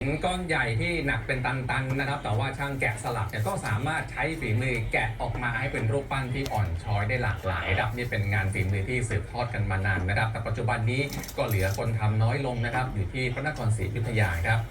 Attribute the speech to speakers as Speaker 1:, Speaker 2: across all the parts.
Speaker 1: หินก้อนใหญ่ที่หนักเป็นตันๆนะครับแต่ว่าช่างแกะสลักเนี่ยก็สามารถใช้ฝีมือแกะออกมาให้เป็นรูปปั้นที่อ่อนช้อยได้หลากหลายครับนี่เป็นงานฝีมือที่สืบทอดกันมานานนะครับแต่ปัจจุบันนี้ก็เหลือคนทำน้อยลงนะครับอยู่ที่พระนครศรีอยุธยาครับ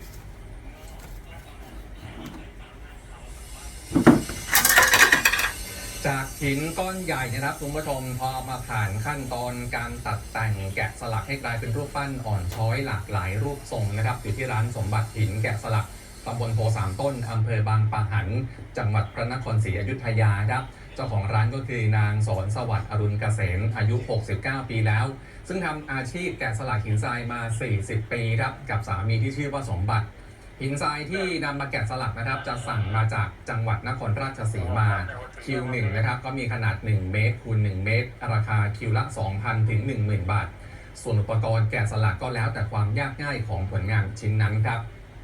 Speaker 1: จากหินก้อนใหญ่นะครับคุณผู้ชมพอมาผ่านขั้นตอนการตัดแต่งแกะสลักให้กลายเป็นรูปปั้นอ่อนช้อยหลากหลายรูปทรงนะครับอยู่ที่ร้านสมบัติหินแกะสลักตำบลโพสามต้นอำเภอบางปะหันจังหวัดพระนครศรีอยุธยาครับเจ้าของร้านก็คือนางสอนสวัสดิ์อรุณเกษมอายุ69ปีแล้วซึ่งทำอาชีพแกะสลักหินทรายมา40ปีครับกับสามีที่ชื่อว่าสมบัติหินทรายที่นำมาแกะสลักนะครับจะสั่งมาจากจังหวัดนครราชสีมาคิว1นะครับก็มีขนาด1เมตรคูณ1เมตรราคาคิวละ 2,000 ถึง 10,000 บาทส่วนอุปกรณ์แกะสลักก็แล้วแต่ความยากง่ายของผลงานชิ้นนั้นครับ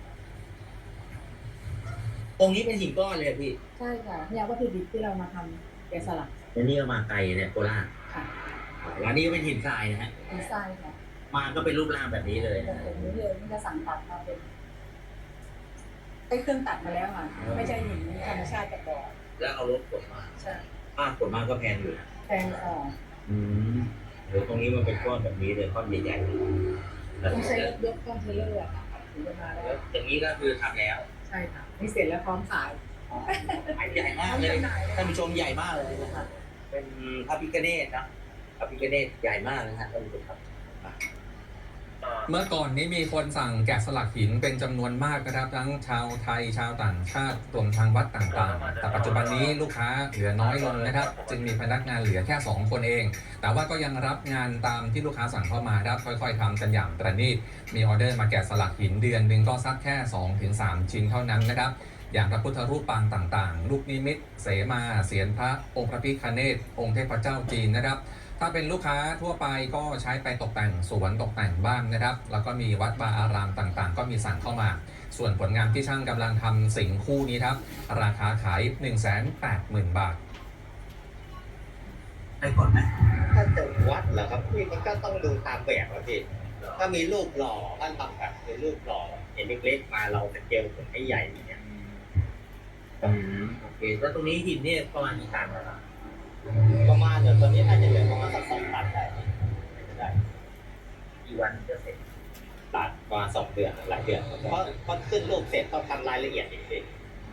Speaker 2: องค์นี้เป็นหินก้อนเลยพี่
Speaker 3: ใช่ค่ะเนี่ยวัตถุดิบที่เรามาทำแกะสลัก
Speaker 2: อันนี้เรามาไกลเนี่ยโคราช
Speaker 3: ค่ะ
Speaker 2: ร้านนี้ก็เป็นหินทรายนะฮะ
Speaker 3: หินทรายค่ะ
Speaker 2: มาก็เป็นรูปร่างแบบนี้เลย
Speaker 3: แบบนี้เลยมันจะสั่งตัดมาเป็นไอ้เครื่องตัดมาแล้วค่ะไม่ใช่หินธรรมชาติจากบ่อ
Speaker 2: แล้วเอารถขนมา
Speaker 3: ใช่
Speaker 2: ขนมาก็แพงอยู่
Speaker 3: แพง
Speaker 2: หรือตรงนี้มันเป็นก้อนแบบนี้เลยก้อนใหญ่
Speaker 3: ๆต้องใช้รถยกก้อนเทเลอร์ค่ะถึงจะมาแล้ว
Speaker 2: อย่างนี้ก็คือทำแล้ว
Speaker 3: ใช่ค่ะนี่เสร็จแล้วพร้อมขาย
Speaker 2: ใหญ่มากเลยท่านผู้ชมใหญ่มากเลยนะครับเป็นพระพิฆเนศนะพระพิฆเนศใหญ่มากนะฮะท่านผู้ชมครับ
Speaker 1: เมื่อก่อนนี้มีคนสั่งแกะสลักหินเป็นจำนวนมากนะครับทั้งชาวไทยชาวต่างชาติรวมทางวัดต่างๆแต่ปัจจุบันนี้ลูกค้าเหลือน้อยลงนะครับจึงมีพนักงานเหลือแค่2คนเองแต่ว่าก็ยังรับงานตามที่ลูกค้าสั่งเข้ามาครับค่อยๆทำกันอย่างประณีตมีออเดอร์มาแกะสลักหินเดือนหนึ่งก็สักแค่ 2-3 ชิ้นเท่านั้นนะครับอย่างพระพุทธรูปปางต่างๆลูกนิมิตเสมาเสียรพระองค์พระพิฆเนศองค์เทพเจ้าจีนนะครับถ้าเป็นลูกค้าทั่วไปก็ใช้ไปตกแต่งสวนตกแต่งบ้านนะครับแล้วก็มีวัดวาอารามต่างๆก็มีสั่งเข้ามาส่วนผลงานที่ช่างกำลังทำสิ่งคู่นี้ครับราคาขาย 180,000 บาท
Speaker 2: ได้ก่อนไหมถ้าจะวัดเหรอครับพี่มันก็ต้องดูตามแบบครับพี่ถ้ามีรูปหล่อท่านทำแบบเป็นรูปหล่อเห็นเล็กๆมาเราจะเจลผลให้ใหญ่อย่างเงี้ยโอเคแล้วตรงนี้หินเนี่ยประมาณกี่ตันครับประมาณเดี๋ยวตอนนี้น่าจะเหลือประมาณสัก2 ตันได้กี่วันจะเสร็จตัดประมาณ2 เดือนหลายเดือนเพราะขึ้นรูปเสร็จต้องทำรายละเอียดอีกที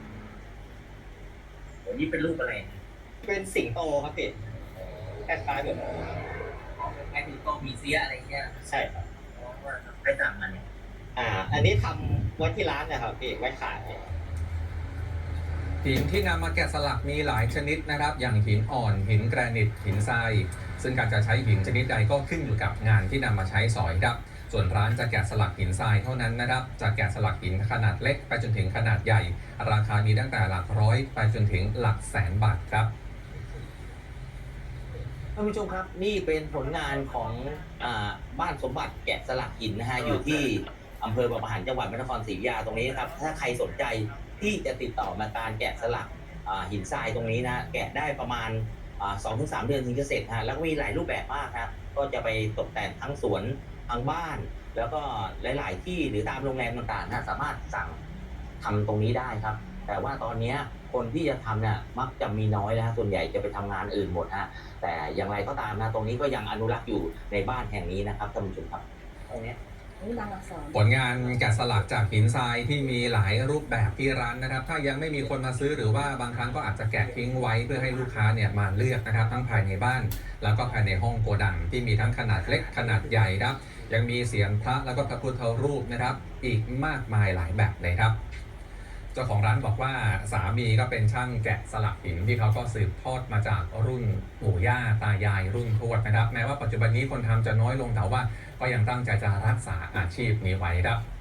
Speaker 2: วันนี้เป็นรูปอะไรเป็นสิงโตครับพี่คล้ายๆแบบไอ้สิงโตมีเสียอะไรเงี้ยใช่ครับไปสั่งมาเนี่ยอันนี้ทำไว้ที่ร้านนะครับพี่ไว้ขาย
Speaker 1: หินที่นำมาแกะสลักมีหลายชนิดนะครับอย่างหินอ่อนหินแกรนิตหินทรายซึ่งการจะใช้หินชนิดใดก็ขึ้นอยู่กับงานที่นำมาใช้สอยครับส่วนร้านจะแกะสลักหินทรายเท่านั้นนะครับจะแกะสลักหินขนาดเล็กไปจนถึงขนาดใหญ่ราคามีตั้งแต่หลักร้อยไปจนถึงหลักแสนบาทครับ
Speaker 2: ท่านผู้ชมครับนี่เป็นผลงานของบ้านสมบัติแกะสลักหินนะฮะอยู่ที่อำเภอบางปะหันจังหวัดพระนครศรีอยุธยาตรงนี้ครับถ้าใครสนใจที่จะติดต่อมาการแกะสลักหินทรายตรงนี้นะแกะได้ประมาณ2-3 เดือนถึงจะเสร็จฮะแล้วก็มีหลายรูปแบบมากครับก็จะไปตกแต่งทั้งสวนทั้งบ้านแล้วก็หลายๆที่หรือตามโรงแรมต่างๆนะสามารถสั่งทำตรงนี้ได้ครับแต่ว่าตอนนี้คนที่จะทำเนี่ยมักจะมีน้อยแล้วส่วนใหญ่จะไปทำงานอื่นหมดฮะแต่อย่างไรก็ตามนะตรงนี้ก็ยังอนุรักษ์อยู่ในบ้านแห่งนี้นะครับท่านผู้ชมครับตรงนี้
Speaker 1: ผลงานแกะสลักจากหินทรายที่มีหลายรูปแบบที่ร้านนะครับถ้ายังไม่มีคนมาซื้อหรือว่าบางครั้งก็อาจจะแกะทิ้งไว้เพื่อให้ลูกค้าเนี่ยมาเลือกนะครับทั้งภายในบ้านแล้วก็ภายในห้องโกดังที่มีทั้งขนาดเล็กขนาดใหญ่ครับยังมีเสียงพระแล้วก็พระพุทธรูปนะครับอีกมากมายหลายแบบเลยครับเจ้าของร้านบอกว่าสามีก็เป็นช่างแกะสลักหินที่เขาก็สืบทอดมาจากรุ่นปู่ย่าตายายรุ่นทวดนะครับแม้ว่าปัจจุบันนี้คนทำจะน้อยลงแต่ว่าก็ยังตั้งใจจะรักษาอาชีพนี้ไว้ครับ